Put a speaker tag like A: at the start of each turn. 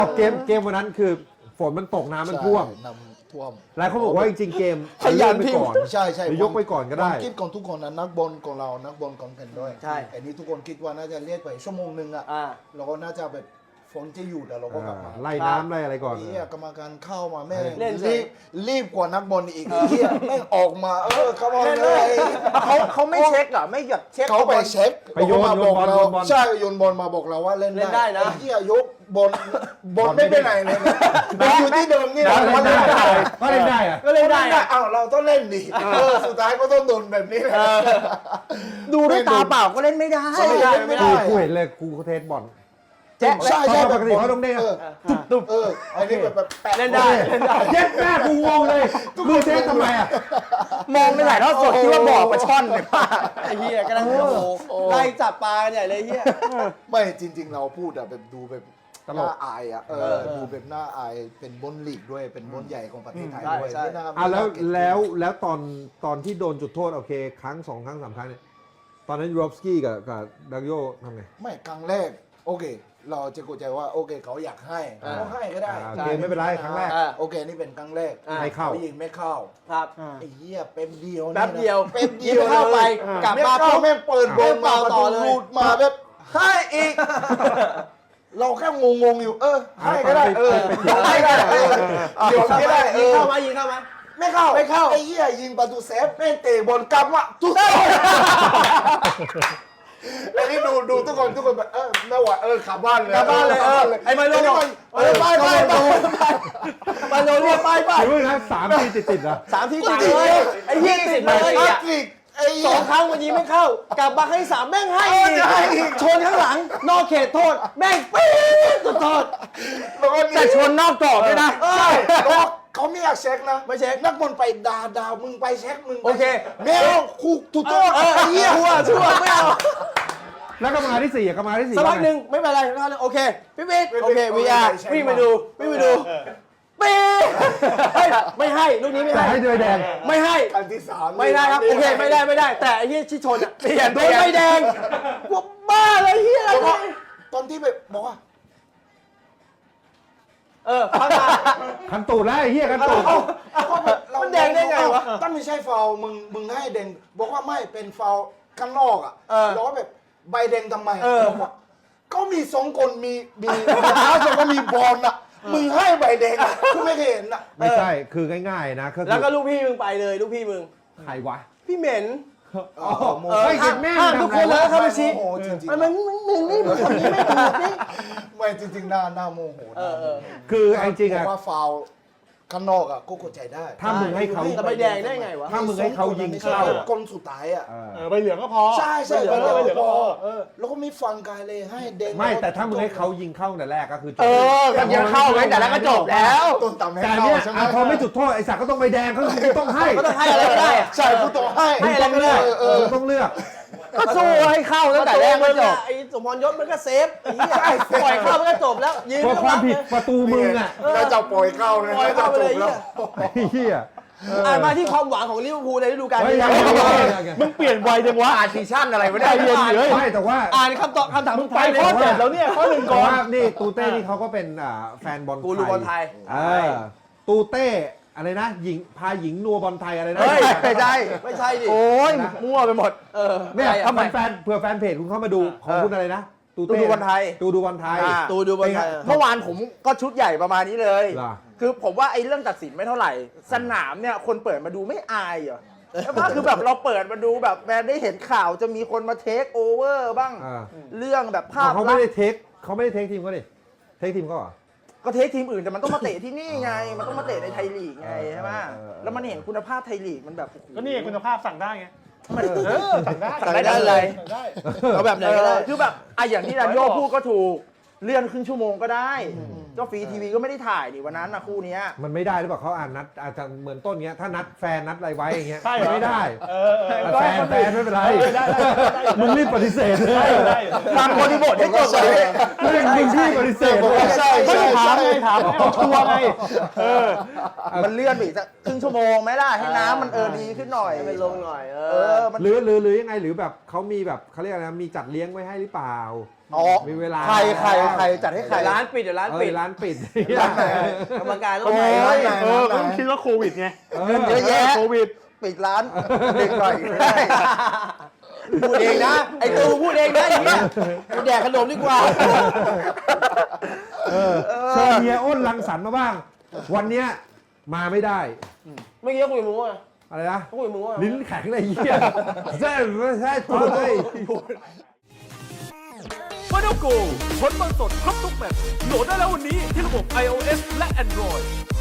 A: เกมวันนั้นคือฝนมันตกน้ำมันท่วม
B: น้ำท่วม
A: หลายคนบอกว่าจริงๆเกม
C: ขยัน
A: ไป
C: พิมพ์
A: ก่อน
B: ใช่ใช่
A: หรือยกไปก่อนก็ได้
B: ผมคิดของทุกคนนะนักบอลของเรานักบอลของกันด้วย
C: ใช่
B: ไอ้นี้ทุกคนคิดว่าน่าจะเรียกไปชั่วโมงนึงอ่ะ
C: อ่า
B: เราก็น่าจะแบบฝนจะหยุดแล้วเราก็กลับมา
A: ไล่น้ำไล่อะไรก่อน
B: ไอ้เหี้ยกรรมการเข้ามาแม่ง
C: เล่นเสร็
B: รี
C: จ
B: บรีบกว่านักบอลอีกไอ้เหี้ยแม่งออกมาเข้ามาเลย
C: เขาไม่เช็คเหรอไม่แบบเช็ค
B: เขาไปเช็ค
A: ไปโยน
B: เขามาบอกเรา
A: โยนบอล
B: ใช่โยนบอลมาบอกเราว่าเล่น
C: เล่นได้นะ
B: ไอ้เหี้ยยกบอลไม่ไปไหนเลยนะมันอยู่ที่เดิมนี่แหละ
A: ก็เล่นได้ก็เล่นได้อะ
C: ก็เล่นได้อะ
B: อ้าวเราต้องเล่นดิสุดท้ายก็ต้องโดนแบบนี้แหละ
C: ดูด้วยตาเปล่าก็เล่นไม่ได้
B: ไม่ได้ไม่ได้
A: กูเห็นเลยกูเทสบอล
C: แจ๊ะ
B: ใช่ใช่
A: ปกติเขาต้องเด้ง
B: ตุ๊บอันนี้แบบแปะ
C: เล่นได้เล่นได้
A: เย็ดแม่กูงงเลยมือเทสทำไมอ่ะ
C: มองในถ่ายทอดสดคิดว่าบอกปลาช่อนเลยป้าไอ้เหี้ยก็นั่งโอ้โหไล่จับปลากันใหญ่เลยเหี้ย
B: ไม่จริง ๆ เราพูดอะแบบดูแบบ
A: ตล
B: น่าก อายอะดูแบบน่าอายเป็นบนลีกด้วยเป็นบนใหญ่ของประเทศไทยด้วย
C: ใช่
B: ที่น่า
A: แล้วตอนที่โดนจุดโทษโอเคครั้ง2 ครั้ง 3 ครั้งเนี่ยตอนนั้นยูโรฟสกี้กับดังโยทำไง
B: ไม่ครั้งแรกโอเค เราจะเข้าใจว่าโอเคเขาอยากให้เขาให้ก็ได้
A: โอเคไม่เป็นไรครั้งแรก
B: โอเคนี่เป็นครั้งแรก
A: ไม่เข้า
B: ยิงไม่เข้า
C: ครับ
B: ไอ้เหี้ยเป็นเดียว
C: แป๊บเดียว
B: เป็นเดียว
C: ยิงเข้าไปกลับมา
B: เข้า
C: ปุ๊บ
B: แม่งเปิดบอลมา
C: ต่อเลย
B: รูดมาแบบให้อีก เราแค่งงๆอยู่ให้ก็ได้ให้ก็ได้เดี๋ยวก็ได้
C: ยิงเข้ามายิงเข้ามา
B: ไม่เข้า
C: ไม่เข้า
B: ไอ้เหี้ยยิงประตูเซฟแม่งเตะบอลกลับว่ะทุกคนแล้วนี่ดูทุกคนแบบไม่ไหวขับบ้านเลย
C: กลับบ้านเลยไอ้ไมโลบอก
B: ไป
C: มาโดนเรียกไปไป
A: ถือว่านะ3 ทีติดๆนะ
C: 3 ทีติดเลยไอ้เหี้ยติดเลย
B: แฮ
C: อ่ะ
B: ตทริกไอ้
C: 2 ครั้งวันนี้ไม่เข้ากลับมาให้3แม่งให้อีกชนข้างหลังนอกเขตโทษแม่งปี๊ดสุดโทษ แต่ชนนอกกรอบด้วยนะ
B: ใช่เขาไม่อยากเช็คนะ
C: ไม่เช็ค
B: นักบอลไปด่ามึงไปเช็คมึง
C: โอเค
B: แมวคู่ถูกโทษไอ้เหี้ย
C: ชั่วไม่เอา
A: แล้วกรรมการที่4กรรมการที่4
C: สักพักหนึ่งไม่เป็นไรโอเคพี่บิ๊กโอเค VR วิ่งไปดูปี๊ดไม่ให้ลูกนี้ไม่
A: แต่
C: ให้
A: ให้ด้วยแดง
C: ไม่ให้
B: อันที่3
C: ไม่ได้ครับโอเคไม่ได้แต่ไอ้เหี้ยที่ชนอ่ะโดนใบแดงกูบ้าเลยเหี้ย
B: แล้วก็ตอนที่แบบบอกว่า
C: พังมา
A: คันตูดแล้วไอ้เหี้ยคันตูด
C: มันแดงได้ไงวะ
B: ตั้งไม่ใช่ฟาวล์มึงให้แดงบอกว่าไม่เป็นฟาวล์ข้างนอกอ่ะแล้วแบบใบแดงทำไมบอกว่าก็มี2 คนมีเท้า2 คนมีบอลอ่ะมึงให้ใบแดงอ่ะกูไม่เคยเห็นอ่ะ
A: ไม่ใช่คือง่ายๆนะ
C: แล้วก็ลูกพี่มึงไปเลยลูกพี่มึง
A: ใครวะ
C: พี่เหม็น
A: เฮ้ยแม่ง
C: ห้ามทุกคนเลยเข้าไปชี้
B: โมโหจริง
C: มันมึงนี่มึงคนนี้ไม่ถูกนี่
B: ๆไม่จริงๆหน้าโมโห
A: คือจริงๆ
B: บ
A: อะ
B: อกว่าฟาวล์ข้างนอกอ่ะก็เข้าใจได้
A: ถ้ามึงให้เขา
C: แต่ใบแดงได้ไงวะ
A: ถ้ามึงให้เขายิงเข้า
B: คนสุดท้ายอ่ะ
D: ใบเหลืองก็พอ
B: ใช่
D: ใบเหลืองก็พอ
B: แล้วก็ไม่ฟังกายเลยให้แดง
A: ไม่แต่ถ้ามึงให้เขายิงเข้าแต่แรกก็คือจบ
C: กันยังเข้าไว้แต่แล้วก็จบแล้ว
B: ต้นต่ำให้
A: แต่
B: เข้า
A: เนี่ย
B: ใช่ไหม
A: พอไม่จุดโทษไอ้สักก็ต้องใบแดงเขาต้องให้
C: ก็ต้องให้อะไรก็ได้
B: ใช่กูต้องให้
C: ให้อะไรก็ได้
A: มึงต้องเลือก
C: ก็สู้ให้เข้าตั้งแต่แรกก็จบไอ้สมพรยศมันก็เซฟไอ้เหี้ยปล่อยเข้ามันก็จบแล้วยืน
A: เพราะความผิดประตูมึงอ่ะ
B: แล้วจะปล่อยเข้านะ
C: ปล่อยเข้าไปเลย
B: แล้ว
A: ไอ้เหี้ย
C: มาที่ความหวังของลิเวอร์พูลในฤดูกาล
A: เฮ้ย
C: นี้
A: ยัง
D: มึงเปลี่ยนไวจังวะ
C: อ่านซีซั่นอะไรไม่ได้
D: ใจเย็นดิเฮ้ย
A: ไม่แต่ว่า
C: อ่านคำตอบคำถาม
D: มึ
C: สุ
D: ง
C: ด
D: ไป
C: ท้ายเลย
D: ข้อเจ็ดแล้วเนี่ยข้อ1
A: แต่
D: ก่อน
A: ว่านี่ตูเต้นี่เขาก็เป็นแฟนบอล
C: กูรูบอลไทย
A: ตูเต้อะไรนะหญิงพาหญิงนัวบอลไทยอะไรนะ
C: เฮ้ยไม่ใช่ไม่ใช่ดิ
D: โอ้ยมั่วไปหมด
A: เนี่ยถ้าแฟนเผื่อแฟนเพจคุณเข้ามาดูของคุณอะไรนะตูเต้
C: ตูดูบอลไทย
A: ตูดูบอลไทย
C: ตูดูบอลไทย
D: เมื่อวานผมก็ชุดใหญ่ประมาณนี้เลย
A: เหรอ
D: คือผมว่าไอ้เรื่องตัดสินไม่เท่าไหร่ สนามเนี่ยคนเปิดมาดูไม่อายเหรอใช่ปะคือแบบเราเปิดมาดูแบบแม้ได้เห็นข่าวจะมีคนมาเทคโอเวอร์บ้าง เรื่องแบบภาพ
A: เขาไม่ได้เทคทีมเขาดิเทคทีมเขาเหรอ
D: ก็เทคทีมอื่นแต่มันต้องมาเตะที่นี่ไง มันต้องมาเตะในไทยลีกไงใช่ไหมแล้วมันเห็นคุณภาพไทยลีกมันแบบ
E: ก็นี่คุณภาพสั่งได้ไง
D: สั่งได้
C: สั่งได้เลย
E: สั่งได้
C: เอาแบบไหนก็ได้
D: คือแบบไอ้อย่างที่ดันโยพูดก็ถูก เลื่อนครึ่งชั่วโมงก็ได้ก็ฟรีทีวีก็ไม่ได้ถ่ายนี่วันนั้นนะคู่เนี้ย
A: มันไม่ได้หรือเปล่าเขาอ่านนัดอาจจะเหมือนต้นเงี้ยถ้านัดแฟนนัดอะไรไว้อย่างเงี้ย
E: ใช่เหรอ
A: ไม่ได้
E: ได้
A: แฟนไม่เป็นไร
E: ได้
A: มึงรีบปฏิเสธเลย
E: ได้
D: ฟังบริบทให้จบเลย
A: มึงที่ปฏิเสธเลย
B: ใช่
E: ไม่ได้ถามไงถามเอาชัวร์ไง
D: มันเลื่อนไปอีกสักครึ่งชั่วโมงไหมล่ะให้น้ำมันดีขึ้นหน่อย
C: ให้มันลงหน่อย
D: มัน
A: หรือยังไงหรือแบบเขามีแบบเขาเรียกอะไรนะมีจัดเลี้ยงไว้ให้หรือเปล่า
C: อ๋อ
A: มีเวลา
C: ใครจัดให้ใคร
D: ร้านปิดเดี๋ยวร้านปิด
A: ร้านปิด
D: กรรมการต้อ
B: โอ้
D: ง
B: ย
D: ไป
B: ไหน
E: ก็ต้องคิดว่าโควิดไง
C: เงินเยอะแยะ
E: โควิด
C: ปิดร้านเด็กหน่อยได้
D: พูดเองนะ ไอ้ตูพูดเองนะอย่างเงี้ยกูแดกขนมดีกว่า
A: เชิญเฮียอ้นรังสรรค์มาบ้าง วันเนี้ยมาไม่ได้
D: เมื่อกี้คุยกับมึงว่า
A: อะไรนะ
D: คุยกับมึงว่า
A: ลิ้นแข็งเลยเหี้ยใช่ใช่ตัวเลย
F: f i n a l Go ผลบอลสดครบทุกแมตช์โหลดได้แล้ววันนี้ที่ระบบ iOS และ Android